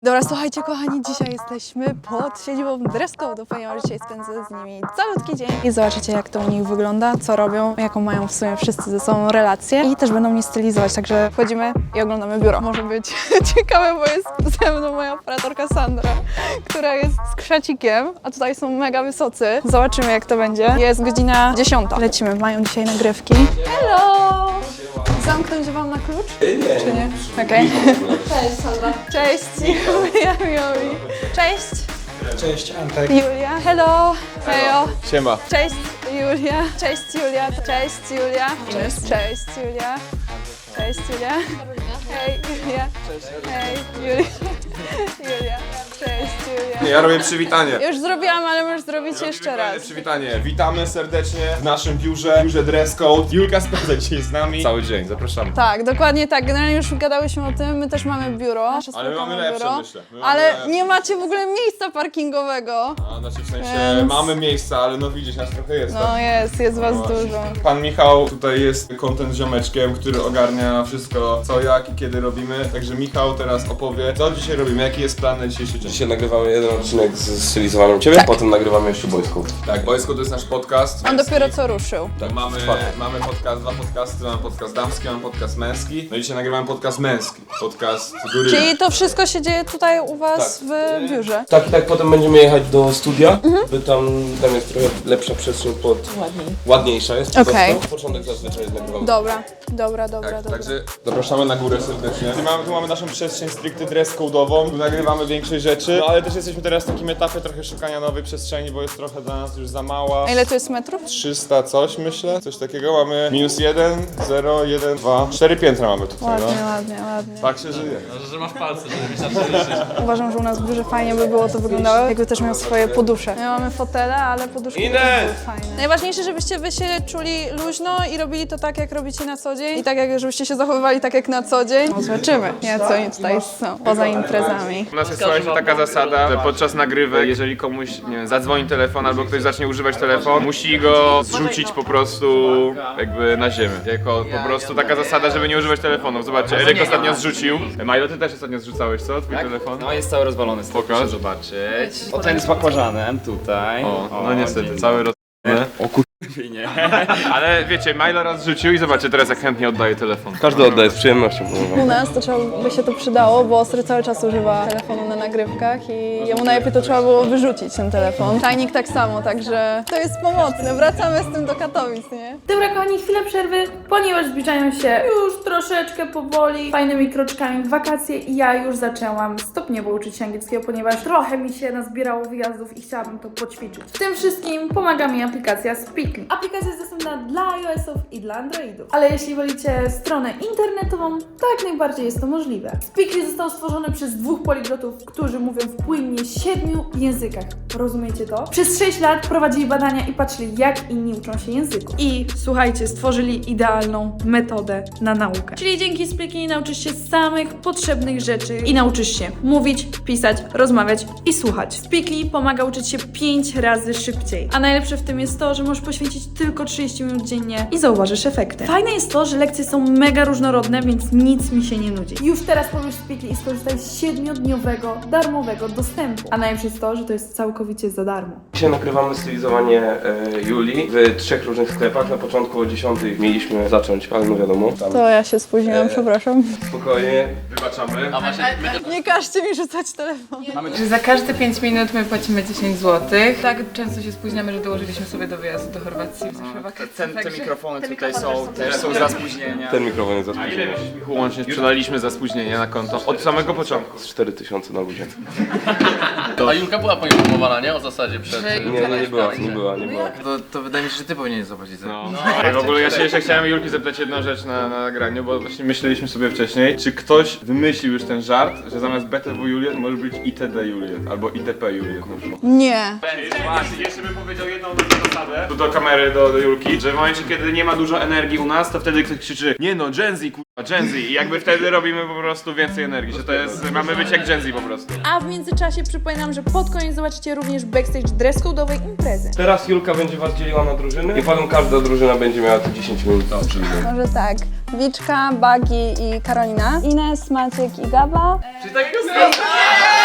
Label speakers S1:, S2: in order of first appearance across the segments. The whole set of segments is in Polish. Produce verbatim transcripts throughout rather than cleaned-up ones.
S1: Dobra, słuchajcie kochani, dzisiaj jesteśmy pod siedzibą dress code, ponieważ dzisiaj spędzę z nimi calutki dzień i zobaczycie, jak to u nich wygląda, co robią, jaką mają w sumie wszyscy ze sobą relację i też będą mnie stylizować, także wchodzimy i oglądamy biuro. Może być ciekawe, bo jest ze mną moja operatorka Sandra, która jest z krzecikiem, a tutaj są mega wysocy. Zobaczymy, jak to będzie. Jest godzina dziesiąta. Lecimy, mają dzisiaj nagrywki. Hello! Zamknąć wam na klucz?
S2: Nie.
S1: Czy nie? Okej. Okay.
S3: Cześć Sandra.
S1: Cześć, Julia, Mioli. Cześć,
S2: Cześć Antek.
S1: Julia. Hello. Hejo.
S2: Siema.
S1: Cześć, Julia. Cześć, Julia. Cześć, Julia. Cześć, Cześć, Julia. Cześć, Julia. Hej, Julia. Hej, Julia. Julia. Cześć, Julia.
S2: Nie, ja robię przywitanie.
S1: Już zrobiłam, ale możesz zrobić jeszcze raz.
S2: Przywitanie. Witamy serdecznie w naszym biurze, biurze Dress Code. Julka spędza dzisiaj z nami cały dzień, zapraszamy.
S1: Tak, dokładnie tak. Generalnie już gadałyśmy o tym, my też mamy biuro. Nasze
S2: Ale my mamy
S1: spotkanie
S2: lepsze,
S1: biuro.
S2: myślę. My mamy
S1: Ale
S2: lepsze.
S1: nie macie w ogóle miejsca parkingowego.
S2: A, znaczy w sensie
S1: Więc-
S2: mamy miejsca, ale no widzisz, nas trochę jest.
S1: No
S2: tak?
S1: jest, jest was
S2: No właśnie.
S1: dużo.
S2: Pan Michał tutaj jest content ziomeczkiem, który ogarnia wszystko, co, jak i kiedy robimy. Także Michał teraz opowie, co dzisiaj robimy, jaki jest plan na dzisiejszy dzień.
S4: Dzisiaj nagrywamy jeden odcinek z stylizowaniem ciebie,
S1: Tak.
S4: potem nagrywamy jeszcze boysków.
S2: Tak, Boysko to jest nasz podcast.
S1: On
S2: męski.
S1: dopiero co ruszył.
S2: Tak, mamy,
S4: czwartek.
S2: mamy podcast, dwa podcasty, mamy podcast damski, mamy podcast męski. No i dzisiaj nagrywamy podcast męski, podcast góry.
S1: Czyli to wszystko się dzieje tutaj u was
S4: Tak.
S1: w biurze?
S4: Tak i tak potem będziemy jechać do studia,
S1: Mhm.
S4: by tam, tam jest trochę lepsza przestrzeń pod...
S3: Ładniej.
S4: Ładniejsza jest po
S1: Okej.
S4: prostu. Początek zazwyczaj nagrywamy.
S1: Dobra, dobra, dobra,
S2: Tak,
S1: dobra.
S2: także zapraszamy na górę serdecznie. Tu mamy, tu mamy naszą przestrzeń stricte dress code'ową, tu nagrywamy większość rzeczy, no ale też jesteśmy teraz w takim etapie trochę szukania nowej przestrzeni, bo jest trochę dla nas już za mała.
S1: A ile tu jest metrów?
S2: trzysta coś myślę, coś takiego. Mamy minus jeden, zero, jeden, dwa, cztery piętra mamy tutaj,
S1: Ładnie,
S2: no.
S1: ładnie, ładnie.
S2: Tak się żyje.
S5: Że masz palce, żeby mieć na przeżycie.
S1: Uważam, że u nas w biurze fajnie by było to wyglądało, jakby też miał swoje podusze. My mamy fotele, ale poduszki
S4: Ines!
S1: też były fajne. Najważniejsze, żebyście wy się czuli luźno i robili to tak, jak robicie na co dzień. I tak, jak żebyście się zachowywali tak, jak na co dzień. No, zobaczymy, nie, co oni tutaj są, poza imprezami.
S2: U nas jest słuchajcie taka zasada, że podczas nagrywek, jeżeli komuś nie wiem, zadzwoni telefon albo ktoś zacznie używać telefon, musi go zrzucić po prostu jakby na ziemię. Jako po prostu taka zasada, żeby nie używać telefonów. Zobaczcie, Eryk ostatnio zrzucił. Majlo, ty też ostatnio zrzucałeś, co? Twój telefon?
S5: No jest cały rozwalony,
S2: Pokaż.
S5: proszę zobaczyć. O, ten z bakłażanem tutaj.
S2: O, no niestety, cały roz...
S5: O kurwa, nie.
S2: Ale wiecie, Majlo raz rzucił i zobaczcie teraz jak chętnie oddaje telefon.
S4: Każdy oddaje z przyjemnością.
S1: U nas to trzeba by się to przydało, bo Ostry cały czas używa telefonu na nagrywkach i jemu najlepiej to trzeba było wyrzucić ten telefon. Tajnik tak samo, także to jest pomocne. Wracamy z tym do Katowic, nie?
S3: Dobra kochani, chwilę przerwy, ponieważ zbliżają się już troszeczkę powoli, fajnymi kroczkami wakacje i ja już zaczęłam stopniowo uczyć się angielskiego, ponieważ trochę mi się nazbierało wyjazdów i chciałabym to poćwiczyć. W tym wszystkim pomaga mi aplikacja Speakly. Aplikacja jest dostępna dla iOS-ów i dla Androidów, ale jeśli wolicie stronę internetową, to jak najbardziej jest to możliwe. Speakly został stworzony przez dwóch poliglotów, którzy mówią w płynnie siedmiu językach. Rozumiecie to? Przez sześć lat prowadzili badania i patrzyli, jak inni uczą się języków. I słuchajcie, stworzyli idealną metodę na naukę. Czyli dzięki Speakly nauczysz się samych potrzebnych rzeczy i nauczysz się mówić, pisać, rozmawiać i słuchać. Speakly pomaga uczyć się pięć razy szybciej. A najlepsze w tym jest to, że możesz poświęcić tylko trzydzieści minut dziennie i zauważysz efekty. Fajne jest to, że lekcje są mega różnorodne, więc nic mi się nie nudzi. Już teraz pobierz Speakly i skorzystaj z siedmiodniowego darmowego dostępu. A najlepsze jest to, że to jest całkowicie za darmo.
S4: Dzisiaj nagrywamy stylizowanie e, Julii w trzech różnych sklepach. Na początku o dziesiątej mieliśmy zacząć, ale no wiadomo, tam
S1: To ja się spóźniłam, przepraszam.
S4: spokojnie.
S2: Wybaczamy.
S5: A właśnie, my
S1: Nie każcie mi rzucać telefon.
S6: Że za każde pięć minut my płacimy dziesięć złotych. Tak często się spóźniamy, że dołożyliśmy sobie do wyjazdu do Chorwacji w zeszłe wakacje.
S5: ten, te
S6: także-
S5: mikrofony tutaj są, też są za spóźnienia.
S4: Ten mikrofon jest za
S2: A ile
S4: spóźniony.
S2: myślisz, Michu, łącznie sprzedaliśmy za spóźnienie na konto? Od samego początku.
S4: Z cztery tysiące na ludzie.
S5: A Julka była poinformowana, nie? O zasadzie przed...
S6: Że-
S4: Nie, no nie była, nie była, nie była.
S5: To, to wydaje mi się, że ty powinieneś zapłacić za
S2: No. I w ogóle ja się jeszcze chciałem Julki zapytać jedną rzecz na, na nagraniu, bo właśnie myśleliśmy sobie wcześniej, czy ktoś wymyślił już ten żart, że zamiast B T W Juliet może być I T D Juliet albo I T P Juliet na przykład.
S1: Nie.
S2: Właśnie, jeszcze bym powiedział jedną dobrą zasadę tu do kamery, do, do Julki, że w momencie kiedy nie ma dużo energii u nas, to wtedy ktoś krzyczy nie no, Gen Z, kurwa, Gen Z i jakby wtedy robimy po prostu więcej energii, że to jest, mamy być jak Gen Z po prostu.
S1: A w międzyczasie przypominam, że pod koniec zobaczycie również backstage dress code'owej imprezy.
S4: Teraz Julka będzie was dzieliła na drużyny i potem każda drużyna będzie miała te dziesięć minut.
S1: Może tak. Wiczka, Bagi i Karolina. Ines, Maciek i Gaba.
S2: Czyli takiego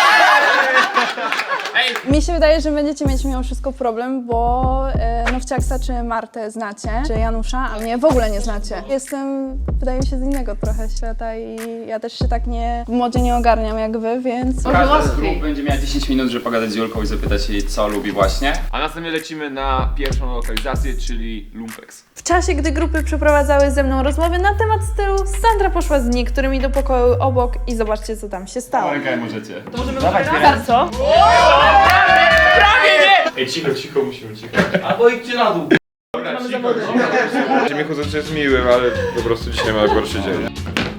S1: Mi się wydaje, że będziecie mieć mimo wszystko problem, bo e, Nowciaksa czy Martę znacie, czy Janusza, a mnie w ogóle nie znacie. Jestem, wydaje mi się, z innego trochę świata i ja też się tak nie, w modzie nie ogarniam jak wy, więc...
S7: Każda z grup będzie miała dziesięć minut, żeby pogadać z Julką i zapytać jej, co lubi właśnie.
S2: A następnie lecimy na pierwszą lokalizację, czyli Lumpex.
S3: W czasie, gdy grupy przeprowadzały ze mną rozmowy na temat stylu, Sandra poszła z niektórymi do pokoju obok i zobaczcie, co tam się stało.
S7: Okej, możecie.
S3: To możemy Dawać, co?
S2: Ej, cicho, cicho, musimy cicho.
S4: Albo idźcie na dół.
S2: Dobra, cicho, cicho. Michu zawsze jest miłym, ale po prostu dzisiaj ma gorszy dzień.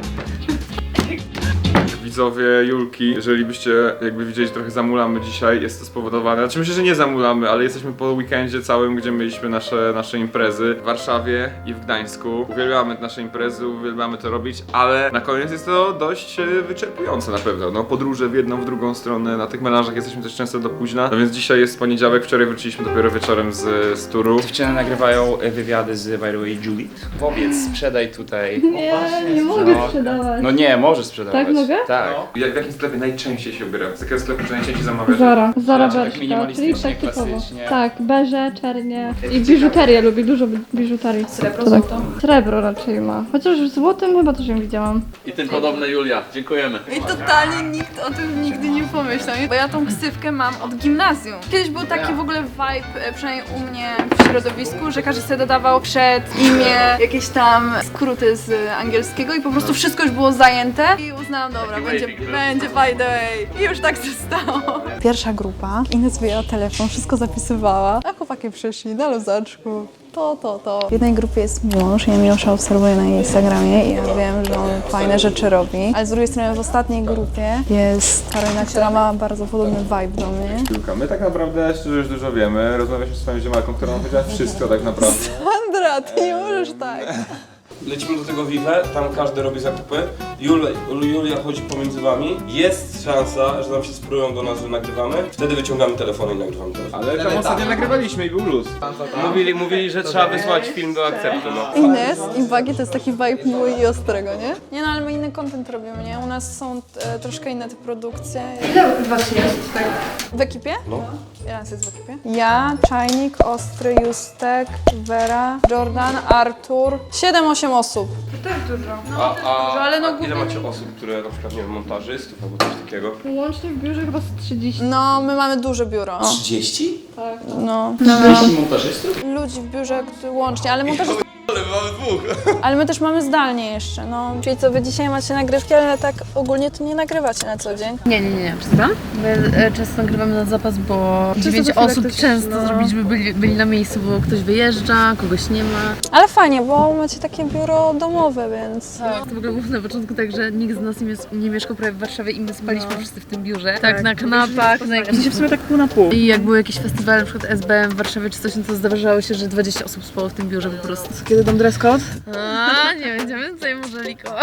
S2: Widzowie Julki, jeżeli byście jakby widzieli, trochę zamulamy dzisiaj, jest to spowodowane, znaczy myślę, że nie zamulamy, ale jesteśmy po weekendzie całym, gdzie mieliśmy nasze, nasze imprezy w Warszawie i w Gdańsku. Uwielbiamy nasze imprezy, uwielbiamy to robić, ale na koniec jest to dość e, wyczerpujące na pewno. No, podróże w jedną, w drugą stronę, na tych melanżach jesteśmy też często do późna, no więc dzisiaj jest poniedziałek, wczoraj wróciliśmy dopiero wieczorem z, z turu.
S7: Dziewczyny nagrywają wywiady z, by the way, Julie. Powiedz, sprzedaj tutaj.
S3: Nie, nie mogę sprzedawać.
S7: No nie, możesz sprzedawać.
S3: Tak, mogę?
S7: Tak.
S2: Jak, w jakim sklepie najczęściej się ubiera? Z jakiego sklepu najczęściej zamawiasz?
S8: Zara, Zara
S7: Tak
S8: Bershka, czyli
S7: minimalistycznie,
S8: tak typowo.
S7: klasycznie.
S8: Tak, beże, czernie i biżuterię lubi, dużo bi- biżuterii.
S3: Srebro,
S8: To tak.
S3: złoto.
S8: Srebro raczej ma, chociaż w złotym chyba też ją widziałam.
S5: I tym podobne Julia. Dziękujemy.
S6: I totalnie nikt o tym nigdy nie pomyślał, bo ja tą ksywkę mam od gimnazjum. Kiedyś był taki w ogóle vibe, e, przynajmniej u mnie w środowisku, że każdy sobie dodawał przed imię jakieś tam skróty z angielskiego i po prostu wszystko już było zajęte i uznałam, dobra, będzie, będzie by the way. I już tak się stało.
S1: Pierwsza grupa, Ines wyjęła telefon, wszystko zapisywała, a chłopaki przyszli na luzaczku. To, to, to. W jednej grupie jest Miłosz, ja Miłosza obserwuję na jej Instagramie i ja wiem, że on fajne rzeczy robi. Ale z drugiej strony w ostatniej grupie jest Karolina, która ma bardzo podobny vibe do mnie.
S2: Julka, my tak naprawdę szczerze już dużo wiemy. Rozmawialiśmy z swoją ziomalką, która nam powiedziała wszystko tak naprawdę.
S1: Sandra, ty nie możesz tak.
S4: Lecimy do tego Vive, tam każdy robi zakupy. Jul, Julia chodzi pomiędzy wami. Jest szansa, że nam się spróbują do nas, że nagrywamy. Wtedy wyciągamy telefony i nagrywamy telefon.
S2: Ale tam ostatnio nagrywaliśmy i był luz.
S4: Mówili, mówili, że trzeba wysłać film do akceptu, no.
S1: Ines i Bagi to jest taki vibe miły i ostrego, nie? Nie no, ale my inny content robimy, nie? U nas są e, troszkę inne te produkcje.
S6: Ile was jest? Tak.
S1: W ekipie?
S4: No.
S1: Ile nas jest w ekipie? Ja, Czajnik, Ostry, Justek, Vera, Jordan, Artur. siedem osiem osób.
S6: To też dużo. No,
S4: A, a,
S6: ale no
S4: a ile
S6: głównie-
S4: macie osób, które na przykład, nie wiem, montażystów albo coś takiego?
S8: Łącznie w biurze chyba z trzydzieści.
S1: No, my mamy duże biuro.
S7: trzydzieści?
S1: No.
S7: trzydzieści montażystów?
S1: Ludzi w biurze którzy łącznie, ale my też... Ale mamy dwóch. Ale my też mamy zdalnie jeszcze, no. Czyli co, wy dzisiaj macie nagrywki, ale tak ogólnie to nie nagrywacie na co dzień.
S9: Nie, nie, nie, przestań. Bo e, często nagrywamy na zapas, bo dziewięć osób często zrobić, żeby byli, byli na miejscu, bo ktoś wyjeżdża, kogoś nie ma.
S1: Ale fajnie, bo macie takie biuro domowe, więc...
S9: To w ogóle było na początku tak, że nikt z nas nie, mies- nie mieszkał prawie w Warszawie i my spaliśmy wszyscy w tym biurze. Tak, na kanapach, na jakimś... W sumie tak pół na pół. I jak były jakieś festiwale, na przykład S B M w Warszawie czy coś, no to zdarzało się, że dwadzieścia osób spało w tym biurze po prostu.
S1: Kiedy dam dress code?
S9: A, nie będziemy tutaj może likować.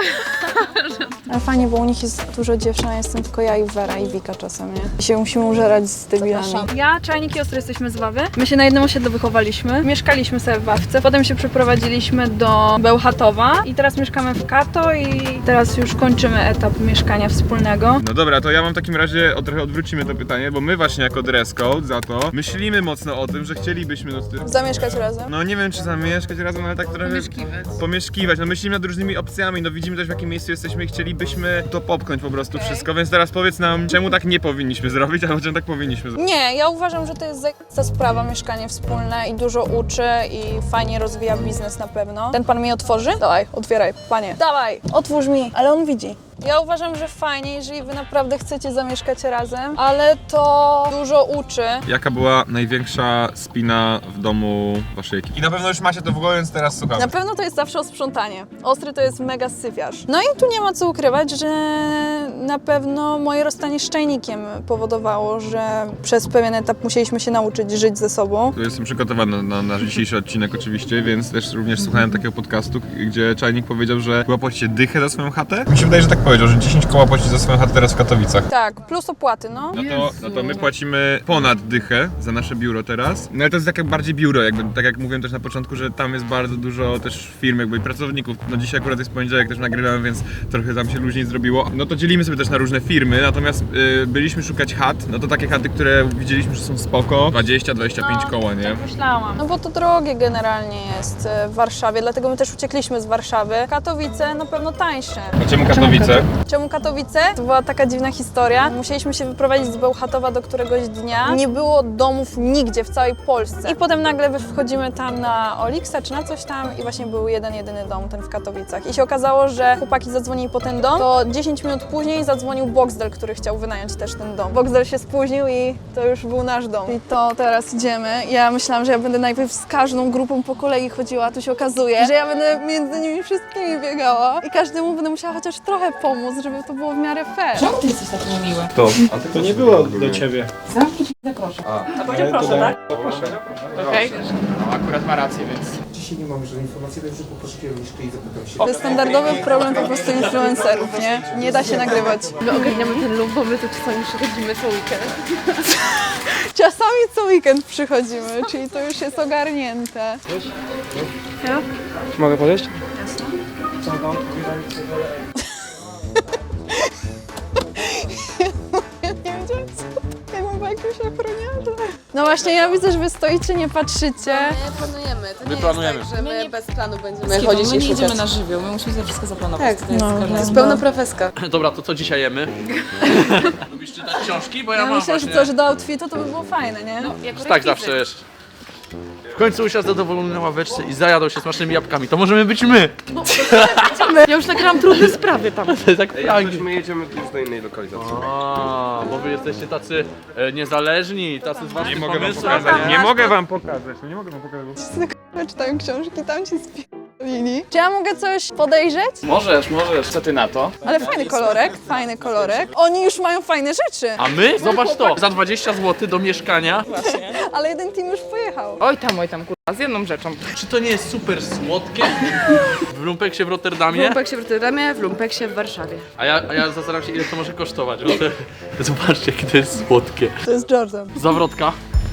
S1: Ale fajnie, bo u nich jest dużo dziewczyn, a jestem tylko ja i Vera i Wika czasem, nie? I się musimy użerać z debilami. Ja, Czajnik i Ostry jesteśmy z Wawy. My się na jednym osiedlu wychowaliśmy. Mieszkaliśmy sobie w Wawce, potem się przeprowadziliśmy do Bełchatowa i teraz mieszkamy w Kato i teraz już kończymy etap mieszkania wspólnego.
S2: No dobra, to ja mam w takim razie, od, trochę odwrócimy to pytanie, bo my właśnie jako dress code za to myślimy mocno o tym, że chcielibyśmy no, ty-
S1: Zamieszkać razem.
S2: no nie wiem czy zamieszkać razem, ale tak trochę
S9: Pomieszkiwać.
S2: pomieszkiwać. No myślimy nad różnymi opcjami, no widzimy też w jakim miejscu jesteśmy i chcielibyśmy to popchnąć po prostu wszystko, więc teraz powiedz nam, czemu tak nie powinniśmy zrobić, albo czemu tak powinniśmy zrobić.
S1: Nie, ja uważam, że to jest za sprawa, mieszkanie wspólne i dużo uczy i fajnie rozwija biznes na pewno. Ten pan mi otworzy? Dawaj, otwieraj, panie. Dawaj, otwórz mi, ale on widzi. Ja uważam, że fajnie, jeżeli wy naprawdę chcecie zamieszkać razem, ale to dużo uczy.
S2: Jaka była największa spina w domu waszej ekipy? I na pewno już macie to w głowie, więc teraz słucham.
S1: Na pewno to jest zawsze o sprzątanie. Ostry to jest mega syfiarz. No i tu nie ma co ukrywać, że na pewno moje rozstanie z Czajnikiem powodowało, że przez pewien etap musieliśmy się nauczyć żyć ze sobą.
S2: Jestem przygotowany na nasz dzisiejszy odcinek oczywiście, więc też również słuchałem takiego podcastu, gdzie Czajnik powiedział, że chyba płacicie dychę za swoją chatę. Mi się wydaje, że tak powiedział. powiedział, że dziesięć koła płaci za swoją chatę teraz w Katowicach.
S1: Tak, plus opłaty, no.
S2: No to, no to my płacimy ponad dychę za nasze biuro teraz. No ale to jest takie bardziej biuro, jakby, tak jak mówiłem też na początku, że tam jest bardzo dużo też firm jakby i pracowników. No dzisiaj akurat jest poniedziałek, też nagrywam, więc trochę tam się luźniej zrobiło. No to dzielimy sobie też na różne firmy, natomiast yy, byliśmy szukać chat, no to takie chaty, które widzieliśmy, że są spoko, dwadzieścia dwadzieścia pięć koła, nie?
S6: Myślałam.
S1: No bo to drogie generalnie jest e, w Warszawie, dlatego my też uciekliśmy z Warszawy. Katowice na pewno tańsze.
S2: A czemu Katowice?
S1: Czemu Katowice? To była taka dziwna historia. Musieliśmy się wyprowadzić z Bełchatowa do któregoś dnia. Nie było domów nigdzie w całej Polsce. I potem nagle wchodzimy tam na Oliksa czy na coś tam i właśnie był jeden, jedyny dom, ten w Katowicach. I się okazało, że chłopaki zadzwonili po ten dom, to dziesięć minut później zadzwonił Boxdel, który chciał wynająć też ten dom. Boxdel się spóźnił i to już był nasz dom. I to teraz idziemy. Ja myślałam, że ja będę najpierw z każdą grupą po kolei chodziła, a tu się okazuje, że ja będę między nimi wszystkimi biegała i każdemu będę musiała chociaż trochę pomóc, żeby to było w miarę fair.
S10: Czemu ty jesteś taki niemiły?
S2: To.
S7: To nie było do ciebie.
S10: Zamknij się, proszę.
S7: A powiedział proszę, tak?
S10: Okej.
S5: No akurat ma rację, więc...
S11: Dzisiaj nie mamy żadnej informacji, ale już poszukiłem liczby i zapytam się.
S1: To jest standardowy problem po prostu influencerów, nie? Nie da się nagrywać.
S9: My ogarniamy ten lub, bo my tu czasami przychodzimy co weekend.
S1: Czasami co weekend przychodzimy, czyli to już jest ogarnięte. Ja?
S7: Mogę podejść?
S1: Ja nie wiedziałam co to. Jakbym była jakimś ochroniarzem. No właśnie, ja widzę, że wy stoicie, nie patrzycie.
S6: My planujemy, to nie
S5: My planujemy.
S6: jest tak, że my bez planu będziemy
S10: My
S6: chodzić
S10: nie
S6: i szukać.
S10: idziemy na żywioł, my musimy sobie wszystko zaplanować.
S6: Tak,
S10: To jest
S1: no,
S10: każda-
S1: no.
S6: jest pełna profeska.
S5: Dobra, to co dzisiaj jemy? Lubisz czytać książki? Bo ja,
S1: Ja
S5: mam
S1: myślę, że
S5: właśnie...
S1: co, że do outfitu to by było fajne, nie?
S10: Jako
S5: Tak zawsze jest. W końcu usiadł zadowolony na ławeczce i zajadał się smacznymi jabłkami. To możemy być my!
S9: Ja już nagrałam trudne sprawy tam.
S5: To jest tak pragnie.
S4: My jedziemy już do innej lokalizacji.
S5: A, bo wy jesteście tacy e, niezależni, tacy z
S2: Nie
S5: waszym
S2: mogę wam
S5: pomysłem.
S2: pokazać, nie mogę wam pokazać, nie mogę wam pokazać.
S1: Wszyscy czytają książki, tam ci spierdolili. Czy ja mogę coś podejrzeć?
S5: Możesz, możesz. Co ty na to?
S1: Ale fajny kolorek, fajny kolorek. Oni już mają fajne rzeczy,
S5: A my? Zobacz to! Za dwadzieścia złotych do mieszkania.
S1: ale jeden team już pojechał.
S10: Oj tam, oj tam, kurwa, z jedną rzeczą.
S5: Czy to nie jest super słodkie? W lumpeksie w Rotterdamie?
S9: W Lumpeksie w Rotterdamie, w Lumpeksie w Warszawie.
S5: A ja, a ja zastanawiam się, ile to może kosztować. Bo to, zobaczcie, jakie to jest słodkie.
S1: To jest Jordan.
S5: Zawrotka.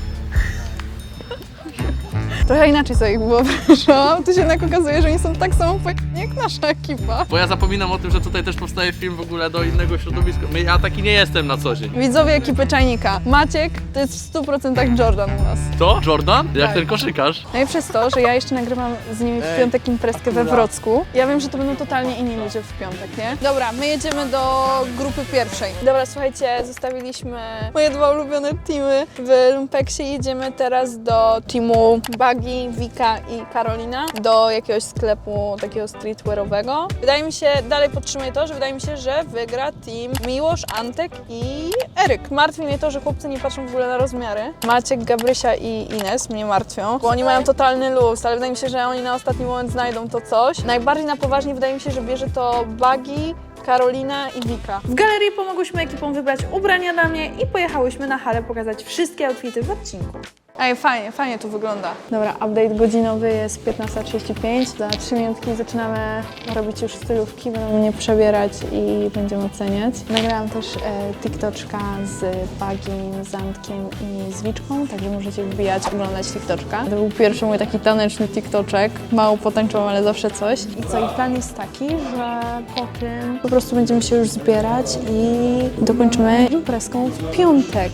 S1: Trochę inaczej sobie ich wyobrażam. Tu się jednak okazuje, że oni są tak samo pojechani jak nasza ekipa.
S5: Bo ja zapominam o tym, że tutaj też powstaje film w ogóle do innego środowiska. My, ja taki nie jestem na co dzień.
S1: Widzowie ekipy Czajnika. Maciek to jest w stu procentach Jordan u nas.
S5: To? Jordan? Jak
S1: Tak.
S5: ten koszykarz?
S1: No i przez to, że ja jeszcze nagrywam z nimi w piątek imprezkę we Wrocku, ja wiem, że to będą totalnie inni ludzie w piątek, nie? Dobra, my jedziemy do grupy pierwszej. Dobra, słuchajcie, zostawiliśmy moje dwa ulubione teamy w Lumpeksie. Jedziemy teraz do teamu Buggy, Wika i Karolina, do jakiegoś sklepu takiego streetwearowego. Wydaje mi się, dalej podtrzymuję to, że wydaje mi się, że wygra team Miłosz, Antek i Eryk. Martwi mnie to, że chłopcy nie patrzą w ogóle na rozmiary. Maciek, Gabrysia i Ines mnie martwią, bo oni mają totalny luz, ale wydaje mi się, że oni na ostatni moment znajdą to coś. Najbardziej na poważnie wydaje mi się, że bierze to Buggy, Karolina i Wika.
S3: W galerii pomogłyśmy ekipom wybrać ubrania dla mnie i pojechałyśmy na halę pokazać wszystkie outfity w odcinku.
S1: Ej, fajnie, fajnie tu wygląda. Dobra, update godzinowy jest piętnasta trzydzieści pięć. Za trzy minutki zaczynamy robić już stylówki, będziemy mnie przebierać i będziemy oceniać. Nagrałam też e, TikToczka z Bagim, z Antkiem i z Wiczką, także możecie wbijać, oglądać TikToczka. To był pierwszy mój taki taneczny TikToczek. Mało potańczyłam, ale zawsze coś. I co, i plan jest taki, że po tym po prostu będziemy się już zbierać i dokończymy imprezką w piątek.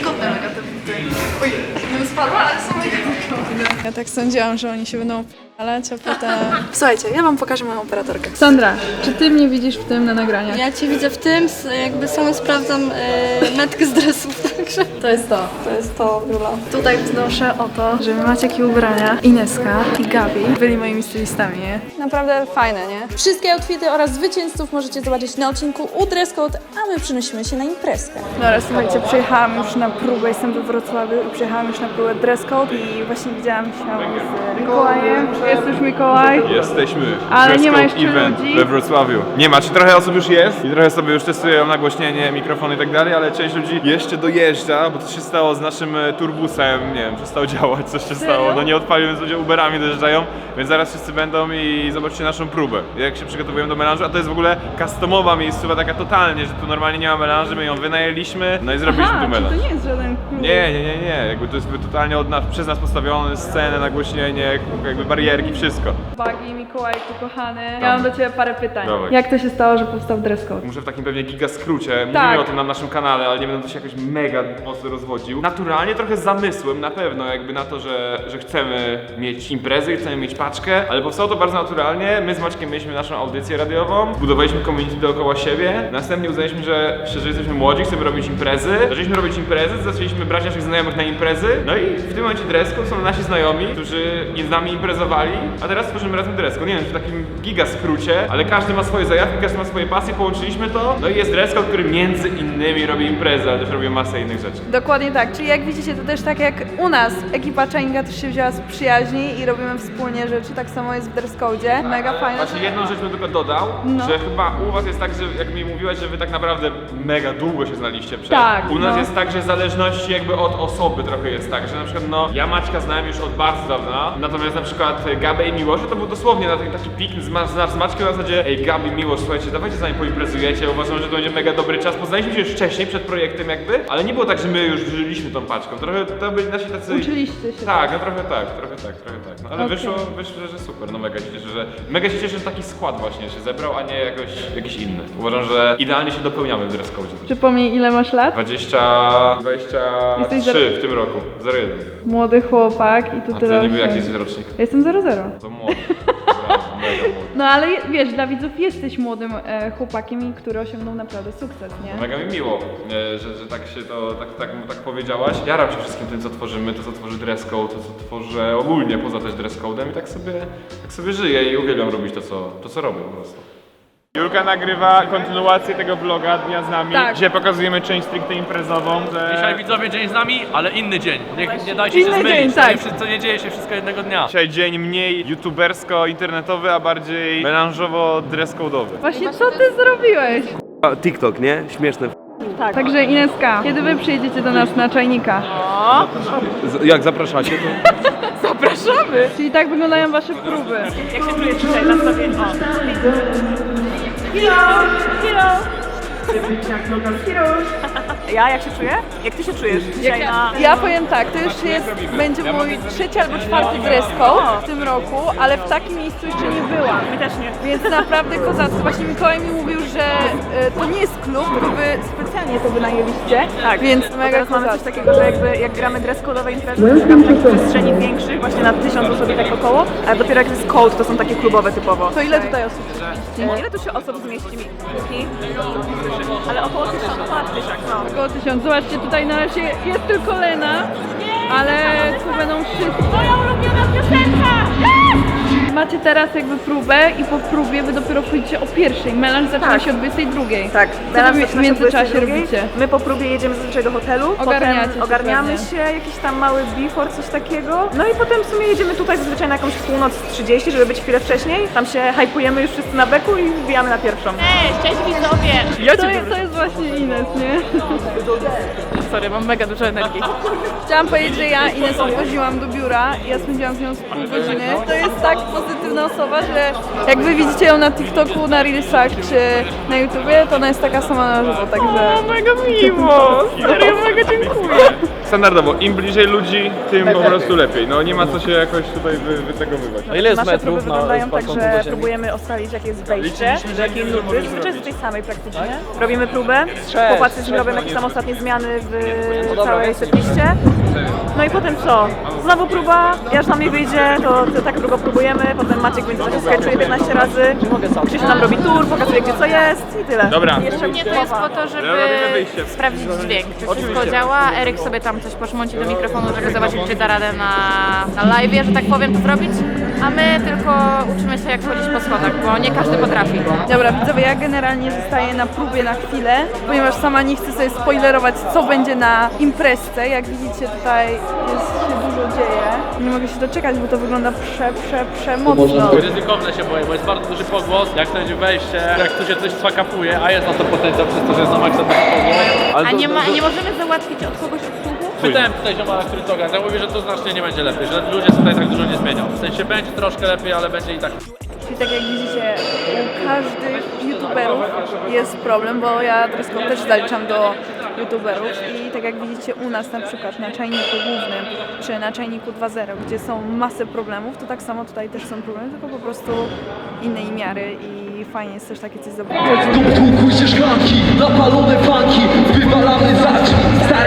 S1: Ja tak sądziłam, że oni się będą p***alać, a potem... Słuchajcie, ja wam pokażę moją operatorkę. Sandra, czy ty mnie widzisz w tym na nagraniach?
S6: Ja cię widzę w tym, jakby sama sprawdzam e, metkę z dresów, także...
S1: To jest to, to jest to, Jula. Tutaj wznoszę o to, że wy macie jakie ubrania. Ineska i Gabi byli moimi stylistami, nie? Naprawdę fajne, nie?
S3: Wszystkie outfity oraz zwycięzców możecie zobaczyć na odcinku u Dress Code, a my przenosimy się na imprezkę.
S1: Dobra, słuchajcie, przyjechałam już na próbę, jestem we Wrocławiu i przyjechałam już na próbę Dress Code i właśnie widziałam się z Mikołajem.
S6: Jest już Mikołaj.
S2: Jesteśmy.
S6: Ale
S2: Dress
S6: nie ma
S2: code
S6: jeszcze
S2: event
S6: ludzi.
S2: we Wrocławiu. Nie ma, czy trochę osób już jest i trochę sobie już testują nagłośnienie, mikrofony i tak dalej, ale część ludzi jeszcze dojeżdża, bo coś się stało z naszym e, turbusem, nie wiem, przestał działać, coś się stało. No nie odpalił, więc ludzie Uberami dojeżdżają, więc zaraz wszyscy będą i zobaczcie naszą próbę, jak się przygotowujemy do melanżu, a to jest w ogóle customowa miejscowa taka totalnie, że tu normalnie nie ma melanży, my ją wynajęliśmy, no i zrobiliśmy
S6: Aha,
S2: tu
S6: czy
S2: melanż.
S6: to nie jest żaden klub?
S2: Nie, nie, nie, nie, jakby to jest jakby totalnie od nas, przez nas postawione, scenę, nagłośnienie, jakby barierki, wszystko.
S6: Bagi, Mikołajku, kochany. Ja mam do Ciebie parę pytań.
S2: Dawaj.
S6: Jak to się stało, że powstał dress code?
S2: Muszę w takim pewnie giga skrócie, mówimy
S6: Tak.
S2: o tym na naszym kanale, ale nie będę to się jakoś mega mocno rozwodził. Naturalnie trochę z zamysłem na pewno jakby na to, że, że chcemy mieć imprezy, chcemy mieć paczkę, ale powstało to bardzo naturalnie. My z Maćkiem mieliśmy naszą audycję radiową, budowaliśmy community dookoła siebie, następnie uznaliśmy, że szczerze jesteśmy młodzi, chcemy robić imprezy. Zaczęliśmy robić imprezy, zaczęliśmy brać naszych znajomych na imprezy, no i w tym momencie dress code są nasi znajomi, którzy nie z nami imprezowali, a teraz tworzymy razem dress code. Nie wiem, w takim giga skrócie, ale każdy ma swoje zajawki, każdy ma swoje pasje, połączyliśmy to, no i jest dress code, który między innymi robi imprezy, ale też robi masę innych rzeczy.
S6: Dokładnie tak, czyli jak widzicie to też tak jak u nas, ekipa Czainga też się wzięła z przyjaźni i robimy wspólnie rzeczy, tak samo jest w dress code, mega fajne.
S2: Właśnie jedną rzecz bym tylko dodał,
S6: No.
S2: że chyba u was jest tak, że jak mi mówiłaś, że wy tak naprawdę mega długo się znaliście przed.
S6: Tak,
S2: U nas
S6: no.
S2: jest tak, że w zależności jakby od osoby trochę jest tak, że na przykład no ja Maćka znałem już od bardzo dawna, natomiast na przykład Gabę i Miłosz to był dosłownie na taki, taki pik z, ma- z, z Maćkiem na zasadzie ej Gabi, Miłosz, słuchajcie, dawajcie z nami poimprezujecie, uważam, że to będzie mega dobry czas. Poznaliśmy się już wcześniej, przed projektem jakby, ale nie było tak, że my już żyliśmy tą paczką. Trochę to byli nasi tacy...
S6: Uczyliście się.
S2: Tak, no trochę tak, trochę tak, trochę tak. No, ale
S6: Okej.
S2: wyszło, wyszło, że super, no mega się cieszę, że mega się cieszę, że taki skład właśnie się zebrał, a nie jakoś, jakiś inny. Uważam, że idealnie się dopełniamy w dress code.
S6: Przypomnij, ile masz lat?
S2: dwadzieścia, dwadzieścia
S6: Jesteś
S2: trzy w tym roku, zero jeden.
S6: Młody chłopak i tu
S2: A
S6: tyle
S2: ty niby jaki
S6: osiągnięć.
S2: jest rocznik?
S6: Ja jestem zero zero.
S2: To młody. Brawo, mega młody.
S6: No ale wiesz, dla widzów jesteś młodym e, chłopakiem, który osiągnął naprawdę sukces, nie?
S2: Mega mi miło, e, że, że tak się to, tak, tak, tak powiedziałaś. Jaram się wszystkim tym, co tworzymy, to co tworzy dress code, to co tworzę ogólnie poza też dress code'em i tak sobie, tak sobie żyję i uwielbiam robić to, co, to, co robię po prostu. Julka nagrywa kontynuację tego vloga Dnia z nami,
S6: Tak.
S2: gdzie pokazujemy część stricte imprezową. Że...
S5: Dzisiaj widzowie dzień z nami, ale inny dzień. Nie, nie dajcie
S6: Inny
S5: się zmylić.
S6: dzień,
S5: To
S6: tak.
S5: nie, wszy- to nie dzieje się wszystko jednego dnia.
S2: Dzisiaj dzień mniej youtubersko-internetowy, a bardziej melanżowo-dress-code'owy.
S6: Właśnie co ty zrobiłeś?
S12: TikTok, nie? Śmieszne.
S6: Tak. Także Ineska, kiedy wy przyjedziecie do nas na Czajnika?
S12: Z- jak zapraszacie, to...
S6: Zapraszamy! Czyli tak wyglądają wasze próby.
S10: Jak się czujesz dzisiaj na sobie? O. Ja jak się czuję? Jak ty się czujesz dzisiaj na...
S6: Ja powiem tak, to już jest, będzie mój trzeci albo czwarty dress code w tym roku, ale w takim miejscu jeszcze nie byłam.
S10: My też nie.
S6: Więc naprawdę kozacko. Właśnie Mikołaj mi mówił, że e, to nie jest klub, tylko wy specjalnie to wynajęliście.
S10: Tak,
S6: Więc
S10: bo
S6: mega
S10: teraz mamy coś
S6: kozacko.
S10: takiego, że jakby jak gramy dress-code'owe imprezy, to gramy w takich przestrzeni większych, właśnie na tysiąc osób i tak około, a dopiero jak jest code, to są takie klubowe typowo.
S6: To ile tutaj osób?
S10: E, Ile tu się osób zmieści mi? Kuki? Ale około tysiąca, ponad tysiąc, no.
S6: Około tysiąc. Zobaczcie, tutaj na razie jest tylko Lena, ale tu będą wszyscy.
S10: Moja ulubiona piosenka!
S6: Macie teraz jakby próbę i po próbie wy dopiero wchodzicie o pierwszej. Melanż zaczyna
S10: Tak.
S6: się o dwudziestej drugiej.
S10: Tak,
S6: Co
S10: teraz
S6: wy
S10: zaczyna
S6: w
S10: się
S6: międzyczasie
S10: dwudziestej drugiej.
S6: robicie?
S10: My po próbie jedziemy zazwyczaj do hotelu,
S6: Ogarniacie
S10: potem
S6: się
S10: ogarniamy
S6: pewnie.
S10: się, jakiś tam mały before, coś takiego. No i potem w sumie jedziemy tutaj zazwyczaj na jakąś północ trzydzieści, żeby być chwilę wcześniej. Tam się hypujemy już wszyscy na beku i wbijamy na pierwszą.
S13: Cześć, cześć widzowie!
S6: To jest, to jest właśnie Ines, nie?
S10: Sorry, mam mega dużo energii.
S6: Chciałam powiedzieć, że ja Ines odwoziłam do biura i ja spędziłam z nią z pół godziny. To jest tak pozytywna osoba, że jak wy widzicie ją na TikToku, na Reelsach czy na YouTubie, to ona jest taka sama na żywo, także...
S10: Mega miło! Serio, mega dziękuję.
S2: Standardowo, im bliżej ludzi, tym po prostu lepiej. No nie ma co się jakoś tutaj wy, wytegowywać.
S5: A ile jest
S10: Nasze
S5: metrów
S10: próby
S5: na
S10: wyglądają tak,
S5: spadką
S10: że
S5: do ziemi?
S10: próbujemy ustalić jakie jest wejście,
S2: Liczyliśmy,
S10: do jakiej
S2: żeby
S10: nuty,
S2: zrobić.
S10: zazwyczaj z tej samej praktycznie. Robimy próbę, chłopacy z nim robią jakieś tam ostatnie zmiany w całej setliście. No i potem co? Znowu próba, ja już nam nie wyjdzie, to, to tak długo próbujemy, potem Maciek będzie coś sketchuje piętnaście razy, Krzysiu nam robi tour, pokazuje gdzie co jest i tyle.
S2: Dobra.
S10: I jeszcze
S13: Mnie to jest po to, żeby
S2: Robimy wyjście.
S13: sprawdzić dźwięk, czy wszystko działa. Eryk sobie tam coś poszmąci do mikrofonu, żeby zobaczyć, czy da radę na, na live'ie, że tak powiem, to zrobić. a my tylko uczymy się jak chodzić po schodach, bo nie każdy potrafi.
S3: Dobra, widzowie, ja generalnie zostaję na próbie na chwilę, ponieważ sama nie chcę sobie spoilerować, co będzie na imprezce. Jak widzicie, tutaj jest, się dużo dzieje. Nie mogę się doczekać, bo to wygląda prze, prze, przemocno.
S5: Ryzykowne się boję, bo jest bardzo duży pogłos, jak to będzie wejście, jak tu się coś fakapuje, a jest na to potencjał przez to, że jest na maksa duży pogłos.
S13: A nie, ma, nie możemy załatwić od kogoś usługu?
S5: Pytałem tutaj ziomala, który to ogarnia, mówi, że to znacznie nie będzie lepiej, że ludzie tutaj tak dużo nie zmienią. W sensie będzie troszkę lepiej, ale będzie i tak.
S3: Czyli tak jak widzicie, u każdych youtuberów jest problem, bo ja dress code też zaliczam do youtuberów i tak jak widzicie u nas na przykład na czajniku głównym czy na czajniku dwa zero, gdzie są masy problemów, to tak samo tutaj też są problemy, tylko po prostu innej miary i fajnie jest też takie coś zobaczyć.
S14: Tłukły się szklanki, napalone fanki, wywalamy za drzwi.